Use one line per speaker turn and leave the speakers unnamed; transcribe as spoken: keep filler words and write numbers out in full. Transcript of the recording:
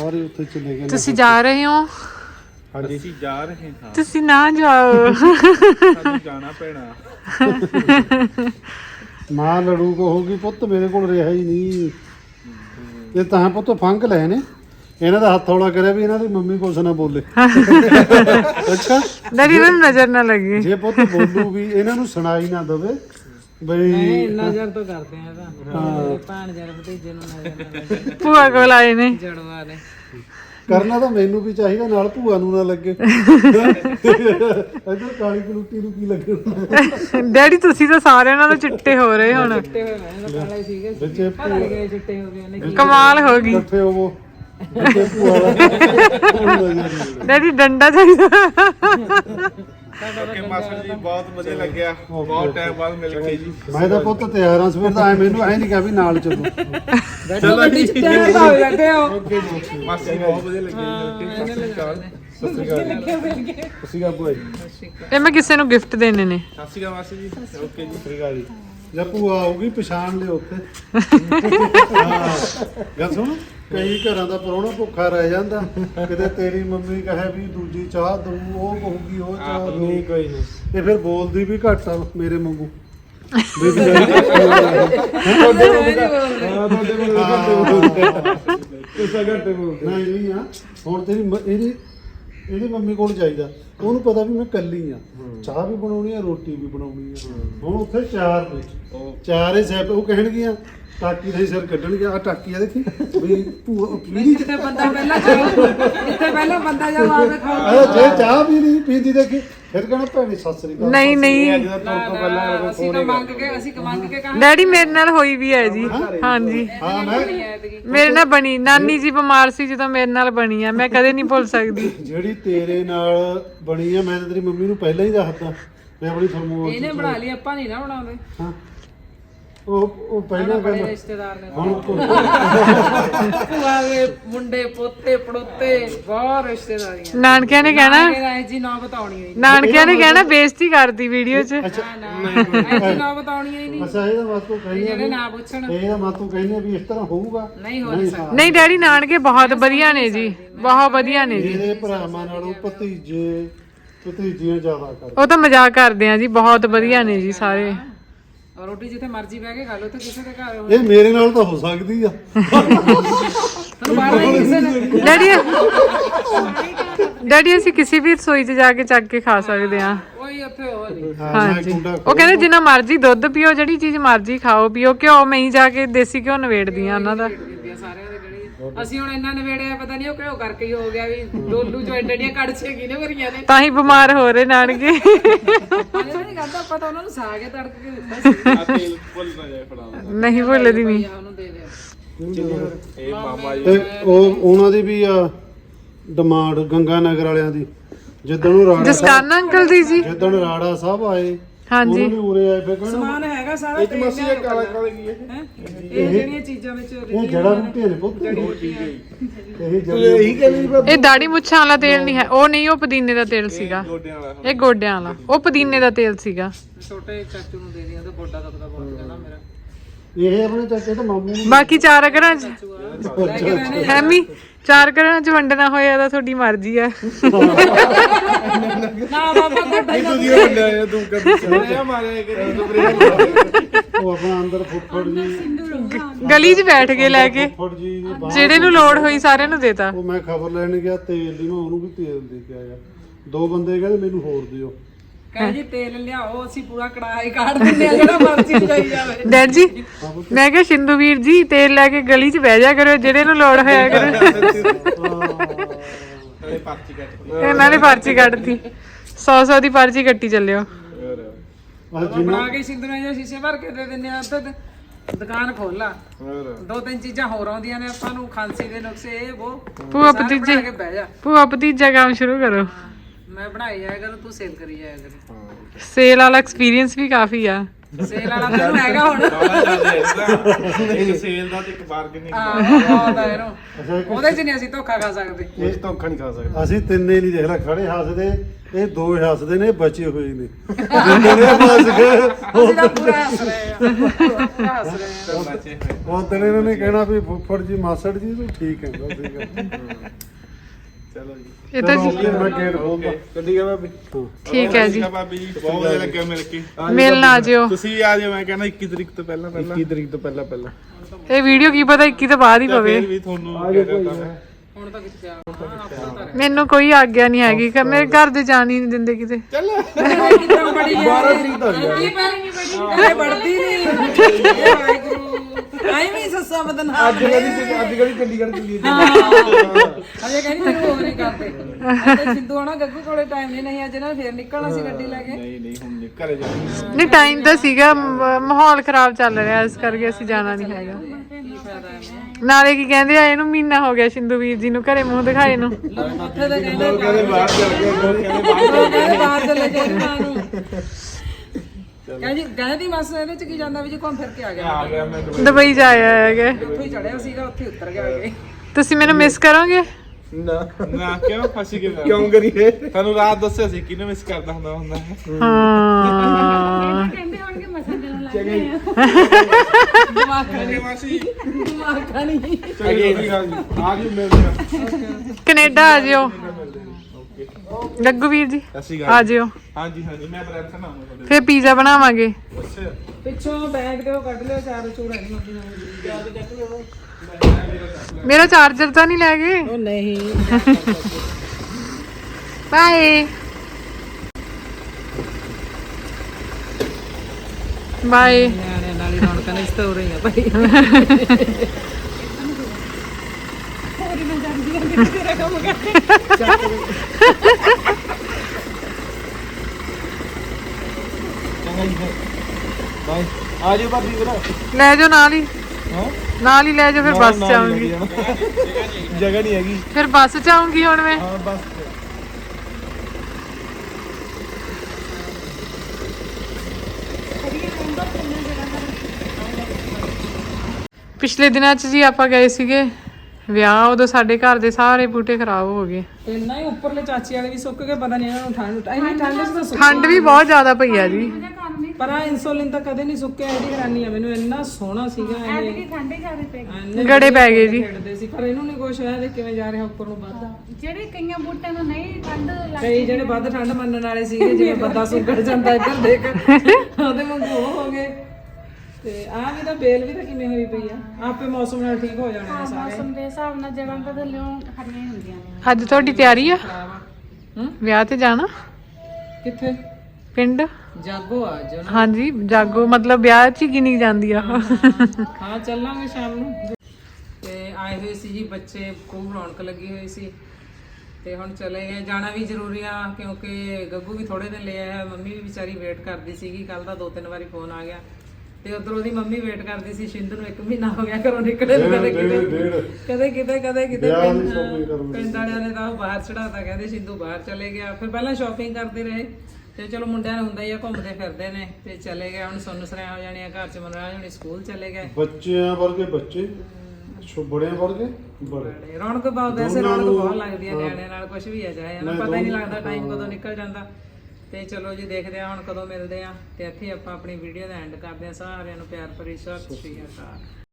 ਸਾਰੇ ਉੱਥੇ ਚਲੇ ਗਏ।
ਤੁਸੀਂ ਜਾ ਰਹੇ ਹੋ?
ਹਾਂਜੀ ਅਸੀਂ ਜਾ ਰਹੇ ਹਾਂ।
ਤੁਸੀਂ ਨਾ ਜਾਓ,
ਸਾਨੂੰ ਜਾਣਾ ਪੈਣਾ।
ਮਾਂ ਲੜੂ ਕਹੂਗੀ ਪੁੱਤ ਮੇਰੇ ਕੋਲ ਰਿਹਾ ਹੀ ਨਹੀਂ। ਇਹ ਤਾਂ ਪੁੱਤ ਫੰਕ ਲਏ ਨੇ, ਇਹਨਾਂ ਦਾ ਹੱਥ ਹੌਲਾ ਕਰਿਆ ਵੀ ਇਹਨਾਂ ਦੀ ਮੰਮੀ ਕੁਛ ਨਾ ਬੋਲੇ। ਅੱਛਾ
ਡੈਡੀ ਨੂੰ ਨਜ਼ਰ ਨਾ ਲੱਗੇ।
ਜੇ ਪੁੱਤ ਬੋਲੂ ਵੀ ਇਹਨਾਂ ਨੂੰ ਸੁਣਾਈ ਨਾ ਦਵੇ ਬਈ।
ਨਜ਼ਰ ਤੋਂ ਕਰਦੇ ਆ ਤਾਂ ਭਾਣ ਜਰ ਭਤੀਜੇ ਨੂੰ ਨਜ਼ਰ ਨਾ ਲੱਗੇ।
ਭੂਆ ਕੋਲ ਆਏ ਨੇ
ਜੜਵਾ ਨੇ
ਕਰਨਾ ਤਾਂ ਮੈਨੂੰ ਵੀ ਚਾਹੀਦਾ, ਨਾਲ ਭੂਆ ਨੂੰ ਨਾ ਲੱਗੇ। ਇੱਧਰ ਕਾਲੀ ਕਲੂਟੀ ਨੂੰ ਕੀ ਲੱਗੇ।
ਡੈਡੀ ਤੁਸੀਂ ਤਾਂ ਸਾਰਿਆਂ ਨਾਲੋਂ ਚਿੱਟੇ ਹੋ ਰਹੇ ਹੁਣ।
ਚਿੱਟੇ ਹੋਏ ਮੈਂ ਤਾਂ ਕਾਲੇ ਸੀਗੇ
ਬੱਚੇ
ਪਤਾ ਨਹੀਂ ਗਏ ਚਿੱਟੇ ਹੋ ਗਏ ਨੇ।
ਕਮਾਲ ਹੋ ਗਈ।
ਇਕੱਠੇ ਹੋਵੋ ਬੱਚੇ ਭੂਆ ਦਾ।
ਡੈਡੀ ਡੰਡਾ ਚਾਹੀਦਾ।
ਓਕੇ ਮਾਸਟਰ ਜੀ ਬਹੁਤ ਵਧੀਆ ਲੱਗਿਆ, ਬਹੁਤ ਟਾਈਮ ਬਾਅਦ ਮਿਲ ਗਏ ਜੀ।
ਮੈਂ ਤਾਂ ਪੁੱਤ ਤਿਆਰ ਹਾਂ ਸਵੇਰ ਦਾ। ਐ ਮੈਨੂੰ ਐ ਨਹੀਂ ਕਿਹਾ ਵੀ ਨਾਲ ਚੱਲੋ।
ਬੈਠੋ ਗੱਡੀ ਚ ਤਿਆਰ ਹੋ ਜਾਂਦੇ ਹੋ।
ਓਕੇ ਜੀ ਮਾਸਟਰ ਜੀ ਬਹੁਤ ਵਧੀਆ ਲੱਗਿਆ ਜੀ ਮਿਲ ਕੇ। ਸਤਿ ਸ਼੍ਰੀ ਅਕਾਲ।
ਸਤਿ ਸ਼੍ਰੀ ਅਕਾਲ। ਸਤਿ ਸ਼੍ਰੀ ਅਕਾਲ ਭੂਆ ਜੀ।
ਇਹ ਮੈਂ ਕਿਸੇ ਨੂੰ ਗਿਫਟ ਦੇਣੇ ਨੇ।
ਸਤਿ ਸ਼੍ਰੀ ਅਕਾਲ ਮਾਸਟਰ ਜੀ। ਓਕੇ ਜੀ।
ਸਤਿ ਸ਼੍ਰੀ ਅਕਾਲ ਜੀ। ਜੇ ਭੂਆ ਆਊਗੀ ਪਛਾਣ ਲਿਓ ਉੱਥੇ। ਹਾਂ ਗੱਲ ਸੁਣ, ਕਈ ਘਰਾਂ ਦਾ ਪ੍ਰਾਹੁਣਾ ਭੁੱਖਾ ਰਹਿ ਜਾਂਦਾ, ਕਿਤੇ ਤੇਰੀ ਮੰਮੀ ਕਹੇ ਵੀ ਦੂਜੀ ਚਾਹ ਦਊ, ਉਹ ਕਹੂਗੀ ਉਹ ਚਾਹ ਦਊ।
ਨਹੀਂ ਕੋਈ ਨਹੀਂ।
ਤੇ ਫਿਰ ਬੋਲਦੀ ਵੀ ਘੱਟ ਆ ਮੇਰੇ ਵਾਂਗੂ। ਵੀ ਵੀ
ਤੁਹਾਡੇ ਹਾਂ ਤੁਹਾਡੇ ਕੋਲ ਘੰਟੇ ਬੋਲਦੇ। ਤੁਸੀਂ ਘੰਟੇ ਬੋਲਦੇ।
ਨਹੀਂ ਨਹੀਂ ਆ ਹੁਣ ਤੇਰੀ ਮ- ਇਹਦੀ ਇਹਦੀ ਮੰਮੀ ਕੋਲ ਜਾਈਦਾ, ਉਹਨੂੰ ਪਤਾ ਵੀ ਮੈਂ ਕੱਲੀ ਆ, ਚਾਹ ਵੀ ਬਣਾਉਣੀ ਆ ਰੋਟੀ ਵੀ ਬਣਾਉਣੀ ਆ। ਹੁਣ ਉੱਥੇ ਚਾਰ ਨੇ, ਚਾਰੇ ਸੈਪ ਉਹ ਕਹਿਣਗੀਆਂ ਟਾਕੀ ਦੇ ਸਿਰ ਕੱਢਣਗੇ। ਆ ਟਾਕੀ ਆ ਦੇਖੀ ਵੀ ਭੂਆ ਪੀੜੀ ਚ
ਜਿੱਥੇ ਬੰਦਾ ਪਹਿਲਾਂ ਖਾਓ, ਜਿੱਥੇ ਪਹਿਲਾਂ ਬੰਦਾ ਜਾ ਆਵੇ ਖਾਓ।
ਆ ਜੇ ਚਾਹ ਵੀ ਨਹੀਂ ਪੀਂਦੀ ਦੇਖੀ ਫਿਰ ਕਹਿਣਾ ਭੈਣੇ ਸਤਿ ਸ੍ਰੀ ਅਕਾਲ।
ਨਹੀਂ ਨਹੀਂ
ਜਦੋਂ ਤੋਂ ਪਹਿਲਾਂ
ਅਸੀਂ ਤਾਂ ਮੰਗ ਕੇ ਅਸੀਂ ਮੰਗ ਕੇ ਕਹਾਂ
ਡੈਡੀ ਮੇਰੇ ਨਾਲ ਹੋਈ ਵੀ ਹੈ ਜੀ। ਹਾਂਜੀ
ਹਾਂ ਮੈਂ
ਮੇਰੇ ਨਾਲ ਬਣੀ। ਨਾਨੀ ਜੀ ਬਿਮਾਰ ਸੀ ਜਦੋਂ ਮੇਰੇ ਨਾਲ ਬਣੀ ਆ, ਮੈਂ ਕਦੇ ਨਹੀਂ ਭੁੱਲ ਸਕਦੀ।
ਜਿਹੜੀ ਤੇਰੇ ਨਾਲ ਬਣੀ ਆ, ਮੈਂ ਤਾਂ ਤੇਰੀ ਮੰਮੀ ਨੂੰ ਪਹਿਲਾਂ ਹੀ ਦੱਸਦਾ ਮੈਂ ਆਪਣੀ ਫਰਮੋਸ਼।
ਇਹਨੇ ਬਣਾ ਲਈ, ਆਪਾਂ ਨਹੀਂ ਨਾ ਬਣਾਉਂਦੇ।
ਹਾਂ ਉਹ ਉਹ ਪਹਿਲਾਂ
ਬੜੇ
ਕਹਿੰਦਾ
ਰਿਸ਼ਤੇਦਾਰ ਨੇ
ਹੁਣ
ਭੂਆ ਦੇ ਮੁੰਡੇ ਪੋਤੇ ਪੜੋਤੇ ਬਹੁਤ ਰਿਸ਼ਤੇਦਾਰੀਆਂ।
ਨਾਨਕਿਆਂ ਨੇ ਕਹਿਣਾ
ਇਹ ਜੀ ਨਾ ਬਤਾਉਣੀ ਹੋਈ
ਨਾਨਕਿਆਂ ਨੇ ਕਹਿਣਾ ਬੇਇੱਜ਼ਤੀ ਕਰਦੀ ਵੀਡੀਓ 'ਚ।
ਨਾ ਨਾ ਨਾ ਬਤਾਉਣੀ ਹੋਈ ਨਹੀਂ।
ਅੱਛਾ ਇਹਦਾ ਮਤਲਬ ਕਹਿੰਦੇ
ਜਿਹੜੇ ਨਾ ਪੁੱਛਣ
ਇਹਦਾ ਮਤਲਬ ਕਹਿੰਦੇ ਵੀ ਇਸ ਤਰ੍ਹਾਂ ਹੋਊਗਾ।
ਨਹੀਂ ਹੋ ਨਹੀਂ ਸਕਦਾ।
ਨਹੀਂ ਡੈਡੀ ਨਾਨਕੇ ਬਹੁਤ ਵਧੀਆ ਨੇ ਜੀ, ਬਹੁਤ ਵਧੀਆ ਨੇ ਜੀ।
ਇਹਦੇ ਭਰਾਵਾਂ ਨਾਲੋਂ ਭਤੀਜੇ ਭਤੀਜੀਆਂ ਜ਼ਿਆਦਾ ਕਰ।
ਉਹ ਤਾਂ ਮਜ਼ਾਕ ਕਰਦੇ ਆ ਜੀ, ਬਹੁਤ ਵਧੀਆ ਨੇ ਜੀ ਸਾਰੇ।
ਔਰ ਰੋਟੀ ਜਿੱਥੇ ਮਰਜ਼ੀ ਬਹਿ ਕੇ ਖਾ ਲਓ ਤੇ ਕਿਸੇ ਦੇ ਘਰ ਹੋ
ਇਹ ਮੇਰੇ ਨਾਲ ਤਾਂ ਹੋ ਸਕਦੀ ਆ।
ਤੁਹਾਨੂੰ ਬਾਹਰ ਨਹੀਂ ਕਿਸੇ ਨੇ
ਡੈਡੀ ਡੈਡੀ ਅਸੀਂ ਕਿਸੇ ਵੀ ਰਸੋਈ 'ਚ ਜਾ ਕੇ ਚੱਕ ਕੇ ਖਾ ਸਕਦੇ ਆ।
ਕੋਈ ਉੱਥੇ ਹੋ ਨਹੀਂ।
ਹਾਂਜੀ ਉਹ ਕਹਿੰਦੇ ਜਿੰਨਾ ਮਰਜ਼ੀ ਦੁੱਧ ਪੀਓ, ਜਿਹੜੀ ਚੀਜ਼ ਮਰਜ਼ੀ ਖਾਓ ਪੀਓ। ਘਿਓ ਮੈਂ ਹੀ ਜਾ ਕੇ ਦੇਸੀ ਘਿਓ ਨਵੇੜਦੀ ਆ ਉਹਨਾਂ ਦਾ।
ਸਾਰਿਆਂ ਦੇ ਕਿਹੜੀ ਅਸੀਂ ਹੁਣ ਇੰਨਾ ਨਵੇੜਿਆ ਪਤਾ ਨਹੀਂ ਉਹ ਕਿਉਂ ਕਰਕੇ ਹੀ ਹੋ ਗਿਆ ਵੀ ਡੋਲੂ ਚੋਂ ਐਡੀਆਂ ਕੜਛੇ ਕਿਨੇ ਭਰੀਆਂ ਨੇ।
ਤਾਂ ਹੀ ਬਿਮਾਰ ਹੋ ਰਹੇ ਨਾਨਕੇ।
ਮੈਨੂੰ ਨਹੀਂ ਕਹਿੰਦਾ ਪਤਾ ਉਹਨਾਂ ਨੂੰ ਸਾਗ ਕੇ ਤੜਕ ਕੇ ਦਿੱਤਾ ਸੀ।
ਆ ਤੇਲ ਭੁੱਲ ਨਾ ਜਾਏ ਫੜਾ।
ਨਹੀਂ ਭੁੱਲਦੀ ਨਹੀਂ।
ਉਹਨੂੰ ਦੇ ਦਿਆ।
ਇਹ ਮਾਮਾ ਜੀ
ਤੇ ਉਹ ਉਹਨਾਂ ਦੀ ਵੀ ਆ ਡਿਮਾਂਡ ਗੰਗਾ ਨਗਰ ਵਾਲਿਆਂ ਦੀ। ਜਿੱਦਣ ਉਹ ਰਾੜਾ
ਜਸਕਾਨ ਅੰਕਲ ਦੀ ਜੀ।
ਜਿੱਦਣ ਰਾੜਾ ਸਾਹਿਬ ਆਏ
ਹਾਂਜੀ
ਉਹਨਾਂ ਨੇ ਉਰੇ ਆਏ ਫਿਰ ਕਹਿਣਾ
ਸਮਾਨ ਹੈਗਾ ਸਾਰਾ
ਇਹ ਚ ਮਸੀ ਇਹ ਕਾਲਾ ਕਾਲਾ ਕੀ ਹੈ?
ਇਹ ਜਿਹੜੀਆਂ ਚੀਜ਼ਾਂ ਵਿੱਚ
ਇਹ ਜੜਾ ਬੂਟੀਆਂ ਨੇ ਪੁੱਤ। ਇਹ ਜੜੀ
ਇਹੀ ਕਹਿੰਦੇ
ਇਹ ਦਾੜੀ ਮੁੱਛਾਂ ਵਾਲਾ ਤੇਲ ਨਹੀਂ ਹੈ, ਉਹ ਨਹੀਂ, ਉਹ ਪੁਦੀਨੇ ਦਾ ਤੇਲ ਸੀਗਾ।
ਗੋਡਿਆਂ ਵਾਲਾ।
ਇਹ ਗੋਡਿਆਂ ਵਾਲਾ, ਉਹ ਪੁਦੀਨੇ ਦਾ ਤੇਲ ਸੀਗਾ।
ਛੋਟੇ ਚਾਚੂ ਨੂੰ ਦੇ ਦਿਆਂ ਤੇ ਗੋਡਾ ਦੁਖਦਾ ਬਹੁਤ ਕਹਿੰਦਾ ਮੇਰਾ।
ਇਹ ਆਪਣੇ ਚਾਚੇ ਤੇ ਮਾਮੂ ਨੂੰ
ਬਾਕੀ ਚਾਰ ਘਰਾਂ 'ਚ
ਲੈ ਕੇ ਰਹਿਣੇ
ਹੈਮੀ ਚਾਰ ਘਰਾਂ 'ਚ ਵੰਡਣਾ ਹੋਇਆ ਤਾਂ ਤੁਹਾਡੀ ਮਰਜ਼ੀ ਆ।
ਨਾ ਬਾਬਾ ਗੋਡਾ ਹੀ ਨਾ
ਵਧੀਆ ਬੰਦਾ ਹੈ ਤੂੰ ਕਰ ਸੋਇਆ ਮਾਰਿਆ ਕਿ
ਉਹ ਆਪਣਾ ਅੰਦਰ ਫੁੱਫੜ ਜੀ
ਗਲੀ 'ਚ ਬੈਠ ਕੇ ਲੈ ਕੇ
ਫੁੱਫੜ ਜੀ ਦੀ ਬਾਂਹ।
ਜਿਹੜੇ ਨੂੰ ਲੋੜ ਹੋਈ ਸਾਰਿਆਂ ਨੂੰ ਦੇਤਾ।
ਉਹ ਮੈਂ ਖਬਰ ਲੈਣ ਗਿਆ ਤੇਲ ਦੀ, ਮੈਂ ਉਹਨੂੰ ਵੀ ਤੇਲ ਦੇ ਕੇ ਆਇਆ। ਦੋ ਬੰਦੇ ਕਹਿੰਦੇ ਮੈਨੂੰ ਹੋਰ ਦਿਓ।
ਕਹੇ ਜੀ ਤੇਲ ਲਿਆਓ ਅਸੀਂ ਪੂਰਾ ਕੜਾਈ ਕਾੜ ਦਿੰਦੇ ਆ ਜਿਹੜਾ ਮਰਜ਼ੀ ਜਾਈ ਜਾਵੇ।
ਡੈਡ ਜੀ ਮੈਂ ਕਿਹਾ ਸਿੰਧੂ ਵੀਰ ਜੀ ਤੇਲ ਲੈ ਕੇ ਗਲੀ 'ਚ ਬਹਿ ਜਾ ਕਰੋ, ਜਿਹੜੇ ਨੂੰ ਲੋੜ ਹੋਇਆ ਕਰੋ।
ਇਹ ਪਾਰਟੀ ਕੱਟਦੀ।
ਇਹਨਾਂ ਨੇ ਪਰਚੀ ਕੱਢਤੀ, ਸੌ ਸੌ ਦੀ ਪਰਚੀ ਕੱਟੀ ਚੱਲਿਓ।
ਆ ਜਿੰਨਾ
ਬਣਾ ਕੇ ਸਿੰਦਰਾਂ ਜਾਂ ਸ਼ੀਸ਼ੇ ਭਰ ਕੇ ਦੇ ਦਿੰਦੇ ਆ ਤੇ ਦੁਕਾਨ ਖੋਲਾ।
ਹੋਰ
ਦੋ ਤਿੰਨ ਚੀਜ਼ਾਂ ਹੋਰ ਆਉਂਦੀਆਂ ਨੇ ਆਪਾਂ ਨੂੰ, ਖਾਂਸੀ ਦੇ ਨੁਕਸੇ ਇਹ ਉਹ
ਭੂਆ
ਸਾਰੇ
ਭਤੀਜੇ
ਬਣਾ ਕੇ ਬਹਿ ਜਾ।
ਭੂਆ ਭਤੀਜਾ ਕੰਮ ਸ਼ੁਰੂ ਕਰੋ।
ਮੈਂ ਬਣਾਈ ਜਾਇਆ ਕਰੂੰ ਤੂੰ ਸੇਲ ਕਰੀ ਜਾਇਆ ਕਰ।
ਸੇਲ ਵਾਲਾ ਐਕਸਪੀਰੀਅੰਸ ਵੀ ਕਾਫੀ ਆ।
ਸੇਲ ਵਾਲਾ ਤਾਂ ਇਹਨੂੰ ਹੈਗਾ ਹੁਣ
ਬਾਲਾ ਜ਼ਿਆਦਾ ਇਹਦਾ ਇੱਕ ਸੇਲ ਦਾ ਤੇ ਇੱਕ ਬਾਰਗੇਨਿੰਗ ਦਾ
ਹਾਂ ਬਹੁਤ ਆ ਇਹਨੂੰ
ਅੱਛਾ ਇੱਕ
ਉਹਦੇ 'ਚ ਨਹੀਂ ਅਸੀਂ ਧੋਖਾ ਖਾ ਸਕਦੇ
ਇਹ ਧੋਖਾ ਨਹੀਂ ਖਾ ਸਕਦੇ
ਅਸੀਂ ਤਿੰਨੇ ਨਹੀਂ ਦੇਖ ਲੈ ਖੜੇ ਹੱਸਦੇ ਇਹ ਦੋ ਹੀ ਹੱਸਦੇ ਨੇ ਬਚੇ ਹੋਏ ਨੇ ਜਿੰਨੇ ਨੇ ਬਚ ਗਏ
ਅਸੀਂ ਤਾਂ ਪੂਰਾ ਹੱਸ ਰਹੇ ਆ ਪੂਰਾ ਹੱਸ ਰਹੇ ਆ
ਬਚੇ ਹੋਏ
ਉਹ ਦਿਨ ਇਹਨਾਂ ਨੇ ਕਹਿਣਾ ਵੀ ਫੁੱਫੜ ਜੀ ਮਾਸੜ ਜੀ ਤੂੰ ਠੀਕ ਹੈ ਬਸ ਠੀਕ ਹੈ
ਚਲੋ ਜੀ
ਇਹ ਤਾਂ
ਚਲੋ,
ਜੀ
ਮੈਂ ਗੇਟ ਖੋਲਦਾ
ਕੱਢੀ ਗਿਆ ਭਾਬੀ
ਠੀਕ ਹੈ ਜੀ
ਭਾਬੀ ਜੀ ਬਹੁਤ ਵਧੀਆ ਲੱਗਿਆ ਮਿਲ ਕੇ
ਮਿਲਣ ਆ ਜਿਓ
ਤੁਸੀਂ ਵੀ ਆ ਜਾਓ ਮੈਂ ਕਹਿੰਦਾ ਇੱਕੀ ਤਰੀਕ ਤੋਂ ਪਹਿਲਾਂ ਪਹਿਲਾਂ ਇੱਕੀ ਤਰੀਕ ਤੋਂ ਪਹਿਲਾਂ ਪਹਿਲਾਂ
ਇਹ ਵੀਡੀਓ ਕੀ ਪਤਾ ਇੱਕੀ ਤੋਂ ਬਾਅਦ ਹੀ ਪਵੇ
ਫਿਰ ਵੀ ਤੁਹਾਨੂੰ ਆ ਜਾਓ
ਹੁਣ ਤਾਂ ਕਿੱਥੇ ਜਾ ਆਪਣਾ ਤਾਂ
ਮੈਨੂੰ ਕੋਈ ਆਗਿਆ ਨਹੀਂ ਹੈਗੀ ਕਿ ਮੇਰੇ ਘਰ ਦੇ ਜਾਣ ਹੀ ਨਹੀਂ ਦਿੰਦੇ ਕਿਤੇ
ਕਿੰਨਾ ਬੜੀ
ਬਾਰਾਂ ਤਰੀਕ ਤੱਕ ਜਾ
ਇਹ ਪੈਰੀ ਨਹੀਂ ਬੜੀ ਇਹ ਬੜਦੀ ਨਹੀਂ ਇਹ ਵਾਹਿਗੁਰੂ ਆਈ ਵੀ ਸੱਸਾ ਬਦਨ
ਅੱਜ ਕਦੀ ਅੱਜ ਕਦੀ ਚੰਡੀਗੜ੍ਹ ਚੱਲੀ
ਅਜੇ ਕਹਿੰਦੀ ਮੈਨੂੰ ਹੋਰ ਨਹੀਂ ਕਰਦੇ ਤੇ ਸਿੰਧੂ ਆਣਾ ਗੱਗੂ ਕੋਲੇ ਟਾਈਮ ਨਹੀਂ ਨਹੀਂ ਅੱਜ ਇਹਨਾਂ ਨੇ ਫੇਰ ਨਿਕਲਣਾ ਸੀ ਗੱਡੀ ਲੈ ਕੇ
ਨਹੀਂ ਨਹੀਂ ਹੁਣ ਘਰੇ ਜਾਣਾ
ਨਹੀਂ ਟਾਈਮ ਤਾਂ ਸੀਗਾ ਮ- ਮਾਹੌਲ ਖਰਾਬ ਚੱਲ ਰਿਹਾ ਇਸ ਕਰਕੇ ਅਸੀਂ ਜਾਣਾ ਨਹੀਂ ਹੈਗਾ
ਕੀ ਫਾਇਦਾ ਹੈ
ਨਾਲੇ ਕੀ ਕਹਿੰਦੇ ਆ ਇਹਨੂੰ ਮਹੀਨਾ ਹੋ ਗਿਆ ਸਿੰਧੂ ਵੀਰ ਜੀ ਨੂੰ ਘਰੇ ਮੂੰਹ ਦਿਖਾਏ ਨੂੰ
ਉੱਥੇ ਤਾਂ ਕਹਿੰਦੇ
ਕਹਿੰਦੇ ਬਾਹਰ ਚੱਲ ਗਏ ਕਹਿੰਦੇ ਬਾਹਰ
ਕਹਿੰਦੇ ਬਾਹਰ ਚਲੇ ਗਏ ਮਾਂ ਨੂੰ ਕਹਿੰਦੀ ਕਹਿੰਦੀ ਬਸ ਇਹਦੇ ਚ ਕੀ ਜਾਂਦਾ ਵੀ ਜੀ ਘੁੰਮ ਫਿਰ ਕੇ ਆ ਗਿਆ
ਆ ਗਿਆ ਮੈਂ
ਦੁਬਈ ਜਾ ਆਇਆ ਹੈਗਾ
ਉੱਥੇ ਹੀ ਚੜਿਆ ਸੀਗਾ ਉੱਥੇ ਹੀ ਉਤਰ ਗਿਆ ਅਗੇ
ਤੁਸੀਂ ਮੈਨੂੰ ਮਿਸ ਕਰੋਗੇ
ਨਾ ਨਾ ਕਿਉਂ ਫਸੀ ਕਿਉਂ ਕਿਉਂ ਕਰੀਏ ਤੁਹਾਨੂੰ ਰਾਤ ਦੱਸਿਆ ਸੀ ਕਿਹਨੂੰ ਮਿਸ ਕਰਦਾ ਹੁੰਦਾ ਹੁੰਦਾ
ਹਾਂ
ਕਹਿੰਦੇ ਹੋਣਗੇ ਮਸਾਂ ਦਿਨ ਲੱਗ
ਦਿਮਾਗ
ਚੰਗੇ ਮਾਸੀ
ਦਿਮਾਗ ਖਾਣੀ
ਚੰਗੇ ਆ ਜੀ ਮਿਲਦੇ ਆ
ਕੈਨੇਡਾ ਆ ਜਿਓ ਗੱਗੂ ਵੀਰ ਜੀ
ਅਸੀਂ
ਆ ਜਿਓ
ਹਾਂਜੀ ਹਾਂਜੀ ਮੈਂ ਬਰੈਂਪਟਨ ਆਉਂਗਾ ਤੁਹਾਡੇ
ਫਿਰ ਪੀਜ਼ਾ ਬਣਾਵਾਂਗੇ
ਅੱਛਾ
ਪਿੱਛੋਂ ਬੈਗ ਦੇ ਉਹ ਕੱਢ ਲਿਓ ਚਾਰ ਚੂੜਾ ਨਹੀਂ ਮੰਗੀ
ਮੇਰਾ ਚਾਰਜਰ ਤਾਂ ਨਹੀਂ ਲੈ ਗਏ
ਉਹ ਨਹੀਂ
ਬਾਏ ਬਾਏ
ਨਿਆਣੇ ਨਾਲ ਹੀ ਰੌਣਕਾਂ ਨੇ ਸਤੋ ਰਹੀ ਆ ਭਾਈ
ਬਾਏ ਆ ਜਾਓ ਭਾਬੀ ਵੀਰਾ
ਲੈ ਜਾਓ ਨਾਲ ਹੀ
ਹਾਂ
ਨਾਲ ਹੀ ਲੈ ਜਾਓ ਫਿਰ ਬੱਸ ਚ ਆਉਂਗੀ
ਜਗ੍ਹਾ ਨਹੀਂ ਹੈਗੀ
ਫਿਰ ਬੱਸ ਚ ਆਉਂਗੀ ਹੁਣ ਮੈਂ
ਹਾਂ ਬਸ
ਪਿਛਲੇ ਦਿਨਾਂ ਚ ਜੀ ਆਪਾਂ ਗਏ ਸੀਗੇ ਵਿਆਹ ਉਦੋਂ ਸਾਡੇ ਘਰ ਦੇ ਸਾਰੇ ਬੂਟੇ ਖਰਾਬ ਹੋ ਗਏ
ਇੰਨਾ ਹੀ ਉੱਪਰਲੇ ਚਾਚੀ ਵਾਲੇ ਵੀ ਸੁੱਕ ਗਏ ਪਤਾ ਨਹੀਂ ਇਹਨਾਂ ਨੂੰ ਠੰਡ ਇੰਨੀ ਠੰਡ ਚ ਤਾਂ ਸੁੱਕ
ਠੰਡ ਵੀ ਬਹੁਤ ਜ਼ਿਆਦਾ ਪਈ ਆ ਜੀ
ਪਰ ਆ ਇਨਸੂਲਿਨ ਤਾਂ ਕਦੇ ਨਹੀਂ ਸੁੱਕਿਆ ਇਹਦੀ ਹੈਰਾਨੀ ਆ ਮੈਨੂੰ ਇੰਨਾ ਸੋਹਣਾ ਸੀਗਾ ਇਹ
ਠੰਡੇ ਜ਼ਿਆਦਾ ਪੈ ਗਏ
ਇੰਨੇ
ਗੜੇ ਪੈ ਗਏ ਜੀ
ਖੇਡਦੇ ਸੀ ਪਰ ਇਹਨੂੰ ਨਹੀਂ ਕੁਛ ਹੋਇਆ ਦੇਖ ਕਿਵੇਂ ਜਾ ਰਿਹਾ ਉੱਪਰ ਨੂੰ ਵੱਧ
ਜਿਹੜੇ ਕਈਆਂ ਬੂਟਿਆਂ ਨੂੰ ਨਹੀਂ ਠੰਡ ਲੱਗ
ਕਈ ਜਿਹੜੇ ਵੱਧ ਠੰਡ ਮੰਨਣ ਵਾਲੇ ਸੀਗੇ ਜਿਵੇਂ ਬੰਦਾ ਸੁੱਕੜ ਜਾਂਦਾ ਇੱਧਰ ਦੇਖ ਉਹਦੇ ਵਾਂਗੂ ਉਹ ਹੋ ਗਏ ਤੇ ਆਹ ਵੀ ਤਾਂ ਬੇਲ ਵੀ ਤਾਂ ਕਿਵੇਂ ਹੋਈ ਪਈ ਆ ਆਪੇ ਮੌਸਮ ਨਾਲ ਠੀਕ ਹੋ ਜਾਣੇ ਆ ਸਾਰੇ
ਮੌਸਮ ਦੇ ਹਿਸਾਬ ਨਾਲ ਜੜਾਂ ਤਾਂ ਥੱਲੇ ਹਰੀਆਂ ਹੀ ਹੁੰਦੀਆਂ ਨੇ
ਅੱਜ ਤੁਹਾਡੀ ਤਿਆਰੀ ਆ
ਹੂੰ
ਵਿਆਹ ਤੇ ਜਾਣਾ
ਕਿੱਥੇ
ਪਿੰਡ
ਜਾਗੋ ਆ ਜੋ ਨਾ
ਹਾਂਜੀ ਜਾਗੋ ਮਤਲਬ ਵਿਆਹ ਚ ਹੀ ਗਿਣੀ ਜਾਂਦੀ ਆ
ਹਾਂ ਚੱਲਾਂਗੇ ਸ਼ਾਮ ਨੂੰ ਤੇ ਆਏ ਹੋਏ ਸੀ ਜੀ ਬੱਚੇ ਖੂਬ ਰੌਣਕ ਲੱਗੀ ਹੋਈ ਸੀ ਤੇ ਹੁਣ ਚਲੇ ਗਏ ਜਾਣਾ ਵੀ ਜ਼ਰੂਰੀ ਆ ਕਿਉਂਕਿ ਗੱਗੂ ਵੀ ਥੋੜੇ ਦਿਨ ਲੈ ਆਇਆ ਮੰਮੀ ਵੀ ਵਿਚਾਰੀ ਵੇਟ ਕਰਦੀ ਸੀਗੀ ਕੱਲ ਦਾ ਦੋ ਤਿੰਨ ਵਾਰੀ ਫੋਨ ਆ ਗਿਆ ਤੇ ਉਧਰ ਉਹਦੀ ਮੰਮੀ ਵੇਟ ਕਰਦੀ ਸੀ ਸਿੰਧੂ ਨੂੰ ਇੱਕ ਮਹੀਨਾ ਹੋ ਗਿਆ ਘਰੋਂ ਨਿਕਲੇ ਨੂੰ ਕਦੇ ਕਿਤੇ ਕਦੇ ਕਿਤੇ ਕਦੇ ਕਿਤੇ
ਵਿਆਹ ਦੀ
ਪਿੰਡ
shopping ਕਰਨ
ਪਿੰਡ ਵਾਲਿਆਂ ਨੇ ਤਾਂ ਉਹ ਬਾਹਰ ਚੜਾਤਾ ਕਹਿੰਦੇ ਸਿੰਧੂ ਬਾਹਰ ਚਲੇ ਗਿਆ ਫਿਰ ਪਹਿਲਾਂ ਸ਼ਾਪਿੰਗ ਕਰਦੇ ਰਹੇ ਤੇ ਚਲੋ ਮੁੰਡਿਆਂ ਨੂੰ ਹੁੰਦਾ ਹੀ ਆ ਘੁੰਮਦੇ ਫਿਰਦੇ ਨੇ ਤੇ ਚਲੇ ਗਏ ਹੁਣ ਸੁੰਨ ਸਰਿਆ ਹੋ ਜਾਣੀ ਆ ਘਰ ਚ ਮਨਰਾ ਜਾਣੀ ਸਕੂਲ ਚਲੇ ਗਏ
ਬੱਚਿਆਂ ਵਰਗੇ ਬੱਚੇ ਛੋ ਬੜਿਆਂ ਵਰਗੇ ਬੜੇ
ਬੜੇ ਰੌਣਕ ਬਹੁਤ ਵੈਸੇ ਰੌਣਕ ਬਹੁਤ ਲੱਗਦੀ ਆ ਨਿਆਣੇ ਨਾਲ ਕੁਝ ਵੀ ਆ ਜਾਏ ਨਾ ਪਤਾ ਹੀ ਨਹੀਂ ਲੱਗਦਾ ਟਾਈਮ ਕਦੋਂ ਨਿਕਲ ਜਾਂਦਾ ਤੇ ਚਲੋ ਜੀ ਦੇਖਦੇ ਆ ਹੁਣ ਕਦੋਂ ਮਿਲਦੇ ਆ ਤੇ ਇੱਥੇ ਆਪਾਂ ਆਪਣੀ ਵੀਡੀਓ ਦਾ ਐਂਡ ਕਰਦੇ ਆ ਸਾਰਿਆਂ ਨੂੰ ਪਿਆਰ ਭਰੀ ਸਤਿ ਸ਼੍ਰੀ ਅਕਾਲ।